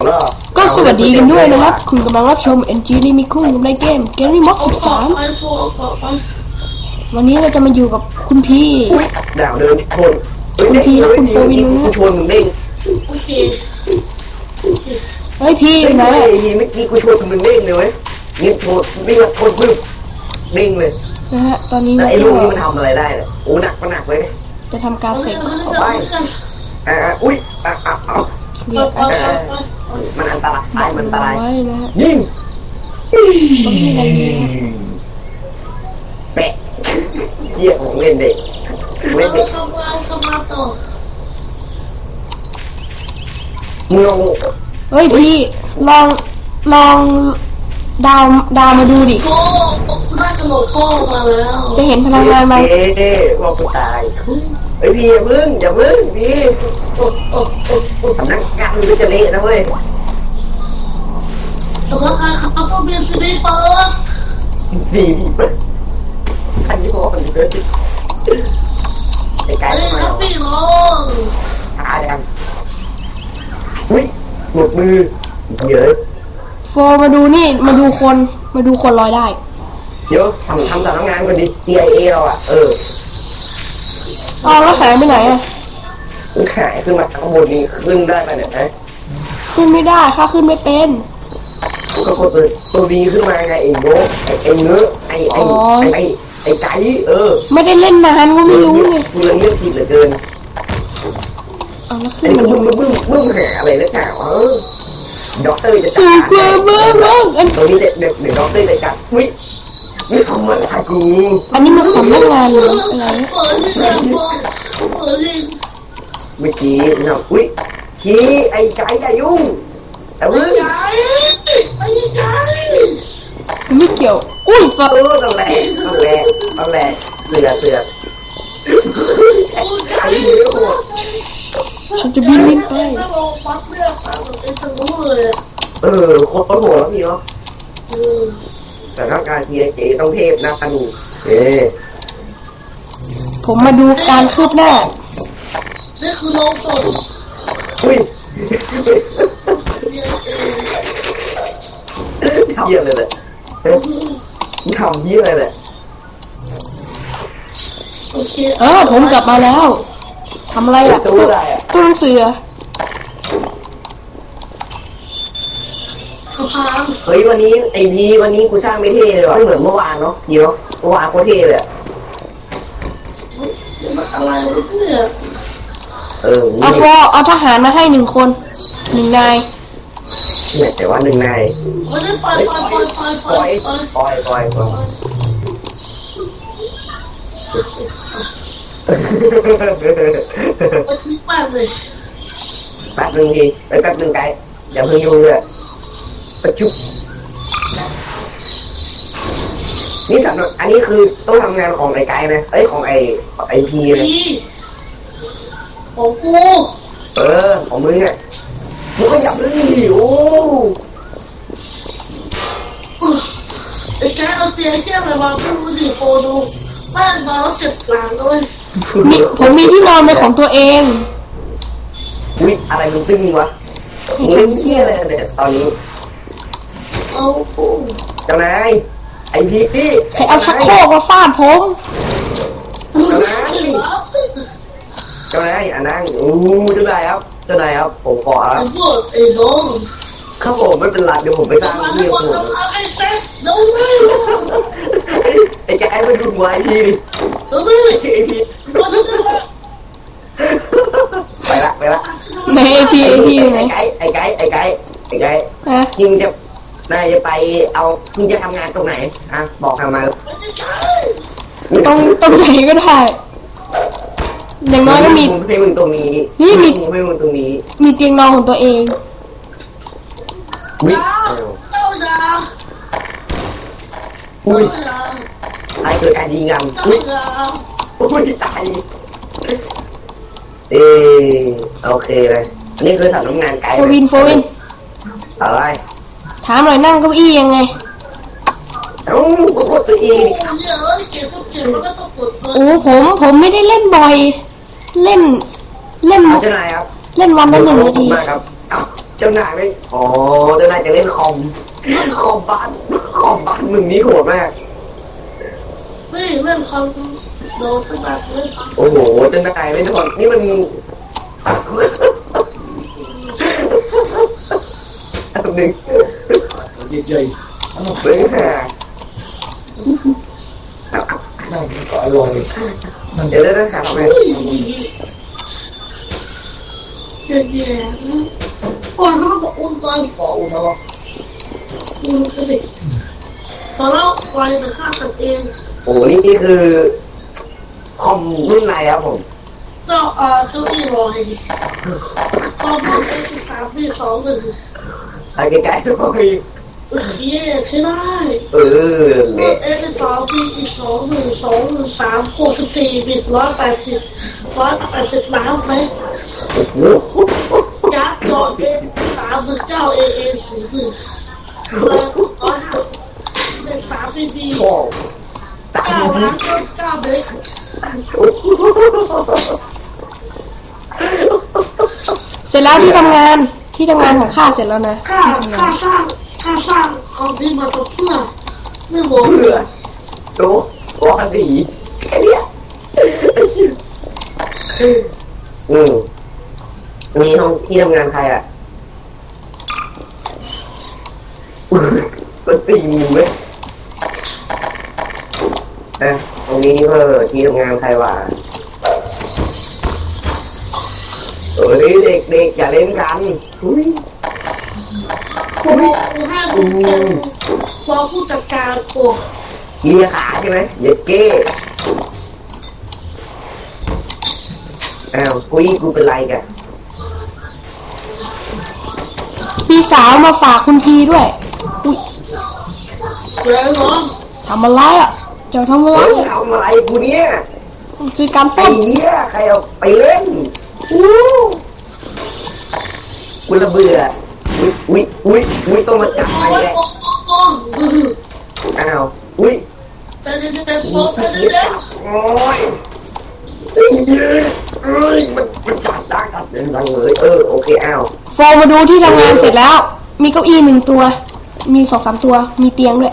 ก็สวัสดีกันด้วยนะครับคุณกำลังรับชม NG ลิมิคุ้งกับในเกม Gary Mod 13 วันนี้เราจะมาอยู่กับคุณพี่ดาวเดินชนคุณพี่และคุณโฟวินนะชนมึงเด้งเฮ้ยพี่ไหนเมื่อกี้กูชนมึงเด้งเลยเว้ยนี่ชนวิ่งมาชนปึ๊บเด้งเลยนะฮะตอนนี้ไอ้ลูกนี้มันทำอะไรได้เนี่ยโอ้หนักก็หนักเลยจะทำการเสกไปอุ้ยมันอันตรายมันอันตรายยิงแปะเยี่ยของเล่นเด็กเล่นเด็กงงเฮ้ยพี่ลองดาวมาดูดิได้กระโดดโค้งมาแล้วจะเห็นพลังงานไหมว่ากูตายเฮ้ยพี่อย่าพึ่งพี่สำนักงานมันจะเละนะเว้ยสำนักงานเขาต้องเป็นซีรีส์เปิดอันนี้บอกมันเลยไอ้ไก่มาพี่น้องหาดังอุ้ยหมดมือเยอะโฟมาดูนี่มาดูคนลอยได้เดี๋ยวทำสำนักงานกันดิ CIA เราอ่ะแล้วหายไปไหนอ่ะหายขึ้นมาข้างบนนี้ขึ้นได้ไหมเนี่ยขึ้นไม่ได้ข้าขึ้นไม่เป็นก็กดตัวดีขึ้นมาไงไอ้โง่ไอ้เนื้อไอ้ไก่ไม่ได้เล่นนานก็ไม่รู้ไงกูเลยเลือกผิดเหลือเกินแล้วขึ้นมันบึ้มหาอะไรแล้วข่าวด็อกเตอร์จะจัดการตัวนี้เด็กด็อกเตอร์จะจัดไม่ทำอะไรกูอันนี้มันสำนักงานหรืออะไรเมื่อกี้เราขี้ไอ้ไก่อย่ายุ่งแต่เมื่อไม่เกี่ยวอุ้ยนั่นแหละเสือไก่เยอะหมดฉันจะบินไปโคตรโหดแล้วพี่เนาะแต่ถ้าการทีเจต้องเทพนะคันนูผมมาดูการคืบหน้านี่คือลงศพเยี่ยเลยแหละทำเยี่ยเลยแหละผมกลับมาแล้วทำอะไรอ่ะตู้หนังสือเฮ้ยวันนี้ไอพีวันนี้กูสร้างไม่เท่เลยว่ะไม่เหมือนเมื่อวานเนาะเดี๋ยวเมื่อวานโคตรเท่เลยอะไรเนี่ยเอาทหารมาให้1 คน1 นายเนี่ยแต่ว่า1 นายไม่ได้ปล่อยแป๊บนึงทีแป๊บนึงไกด์อย่าเพิ่งยุ่งเลยประจุนี่สำหรับอันนี้คือต้องทำงานของไอ้ไกด์นะของไอ้พีนะของกูของมึงเนี่ยมึงก็อย่าเพิ่งหิวไอ้แกเอาเตียงแค่ไปวางขึ้นมาดิโฟดูแม่นอนแล้วเจ็บหลังเลยผมมีที่นอนเป็นของตัวเองอะไรมึงตึ้งวะมึงเล่นเที่ยอะไรเนี่ยตอนนี้เจ้านายไอ้พี่ใครเอาชักโครกมาฟาดผมเจ้านายนั่งเจ้านายครับผมขอไอ้น้องครับผมไม่เป็นไรเดี๋ยวผมไปสร้างที่ผมไอ้แกไอ้ไปดูหัวไอ้พี่ไปละไหนไอ้พี่ไหนไอ้ไก่ยิงจะนายจะไปเอายิงจะทำงานตรงไหนบอกทำมาตรงไหนก็ได้อย่างน้อยก็มีให้มึงตรงนี้นี่มีให้มึงตรงนี้มีเตียงนอนของตัวเองไอ้เกิดการยิงกันตายโอเคเลยนี่คือสำนักงานไกด์โฟวินอะไรถามหน่อยนั่งเก้าอี้ยังไงกดตัวอีผมไม่ได้เล่นบ่อยเล่นเจ้านายครับเล่นวันละ1 นาทีครับเจ้านายไม่อ๋อเจ้านายจะเล่นคอมบ้านมึงนี่โหดมากนี่เรื่องคอมโดนตั้งแต่เลยโอ้โหเจ้านายไม่โหดนี่มันอันหนึ่งใหญ่เฮ้ยฮะๆนั่งก็อร่อยมันเดี๋ยวได้หาทำไมแย่ๆคนเขาบอกอุ้มตายก่อนนะวะอุ้มก็ดิพอแล้วไฟมันฆ่ากันเองโอ้โหนี่คือคอมรุ่นไหนครับผมเจ้าอีลอยตอนนั้นเป็น13 ปี 21 ใส่ใกล้ๆหน่อยเย้ใช่ได้เนี่ย 13 ปีอีก2 1 2 1 3 64 บิต180 ล้านไหมโอ้โหยักษ์ยอดเป็น39 AA 01เป็น3 BB โอ้ตาย 9 จริล้าง นก็9เบรกเสร็จแล้วที่ทำงานของข้าเสร็จแล้วนะค่าที่ทำงานสร้างของที่มาตัวเพื่อไม่หมดเพื่อโตวาดีแค่เนี้ยมีห้องที่ทำงานใครอ่ะก็ตีมือไหมตรงนี้เพื่อที่ทำงานใครวะนี่เด็กๆอย่าเล่นกันอุ้ยกูให้กูเป็นรองผู้จัดการกูเลียขาใช่ไหมเย็ดเก้อ้าวกูเป็นไรกันมีสาวมาฝากคุณพีด้วยอุ้ยแล้วน้องทำอะไรอ่ะเจ้าทำอะไรเฮ้ยอ่ะทำอะไรกูเนี่ยมันคือการปไอ้ล้นเหี้ยใครเอาไปเล่นกูระเบื่ออุ้ยต้องมาจับไปแหละต้นอ้าวอุ้ยแต่เด็กๆโซ่แต่เด็กโอ้ยไอ้เหี้ยเอ้ยมันจับดังเลยโอเคอ้าวโฟมาดูที่ทำงานเสร็จแล้ว มีเก้าอี้1 ตัว มี2-3 ตัว มีเตียงด้วย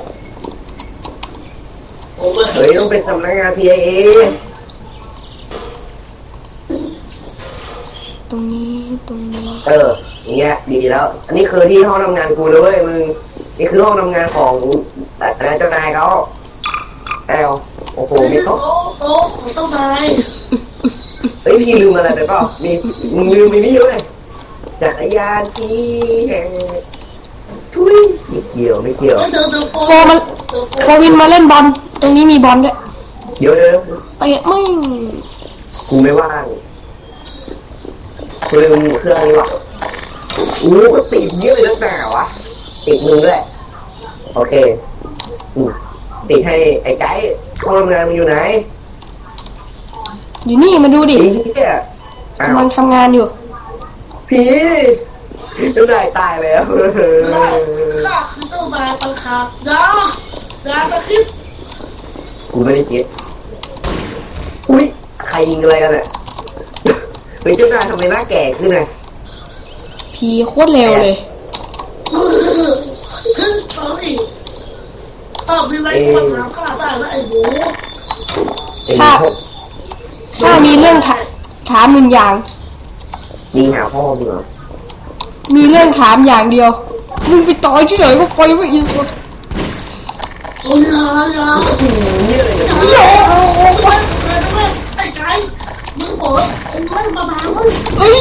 เฮ้ยต้องเป็นสำนักงาน TIA ตรงนี้อย่างเงี้ยดีแล้ว อันนี้คือที่ห้องทำงานกูเลยเว้ยมึงนี่คือห้องทำงานของเจ้านายเขาแอลโอ้โหมีโต๊ะโต๊ะของเจ้านายเฮ้ยพี่ลืมอะไรไปเปล่ามึงลืมไปนี่เลยจักรยานที่แห่งทุยไม่เกี่ยวโฟวินมาเล่นบอล ตรงนี้มีบอลด้วยเดี๋ยวเตะไม่งกูไม่ว่างกูลืมเครื่องนี้ว่ะก็ติดเยอะตั้งแต่วะติดมึงด้วยโอเคติดให้ไอ้ไก่ห้องทำงานมึงอยู่ไหนอยู่นี่มาดูดิผีเนี่ยอ้าวกำลังทำงานอยู่ผีเจ้านายตายแล้วข้าคือเจ้านายตังคาดาตะคิดกูไม่ได้คิดอุ้ยใครยิงอะไรกันอ่ะเฮ้ยเจ้านายทำไมหน้าแก่ขึ้นไงพีโคตรเร็วเลยขึ้นตอนนี้มีอะไรมาถามข้าได้นะไอ้หมูข้ามีเรื่องถาม1 อย่างยิงหาพ่อมึงเหรอมีเรื่องถามอย่างเดียว มึงไปต่อยที่ไหนก็ไปไม่อีสุดโอ้ยอย่านี่อะไรเนี่ยไอ้ไก่มึงบอกไอ้ไม่มาบ้ามึงเฮ้ย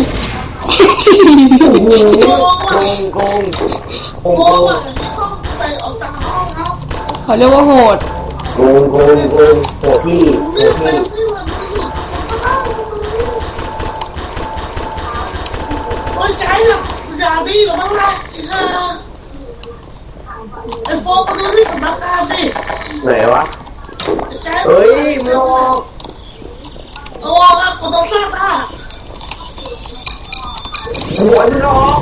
โกงโอ้ยต้องไปออกจากห้องครับเขาเรียกว่าโหดโหพี่นี่เป็นที่มันโอ้ยไก่อะอย่าดีหรอกมั้งล่ะไอ้โฟมาดูที่สำนักงานดิไหนวะไก่เฮ้ยมึงออกโอ้แล้วกูต้องสร้างบ้านหัวมึงออก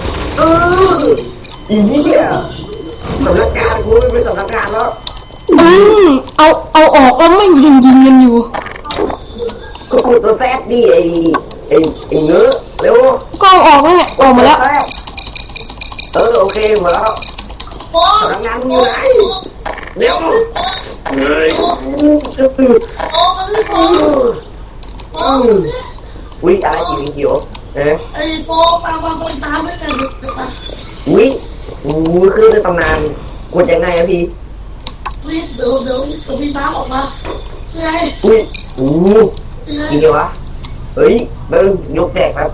อีเนี่ยสำนักงานกูไม่เป็นสำนักงานแล้วเอาออกแล้วไม่ยิงกันอยู่ก็กดตัวแซดดิไอ้เนื้อเร็วกล้องออกแล้วเนี่ยออกมาแล้วโอเคหมดแล้วโอ้พนักงานมึงอยู่ไหนเร็วเฮ้ยโอ้มันไม่พอโอ้อุ้ยอะไรกี่วิดีโอไอ้โปตามมาตามไม่ได้เลยอุ้ยคือในตำนานกดยังไงอะพี่รีบเดี๋ยวพี่น้ำออกมาไงอุ้ยกินเดียววะเฮ้ยเบิ้งยกแดกครับ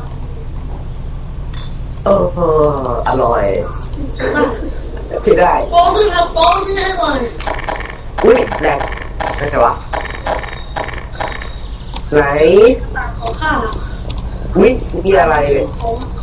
อร่อยใช่ได้โปไม่ทำโปที่ให้หน่อยอุ้ยแดกนั่นไงวะไหนต่างของข้าอุ้ยมีอะไรเลยของ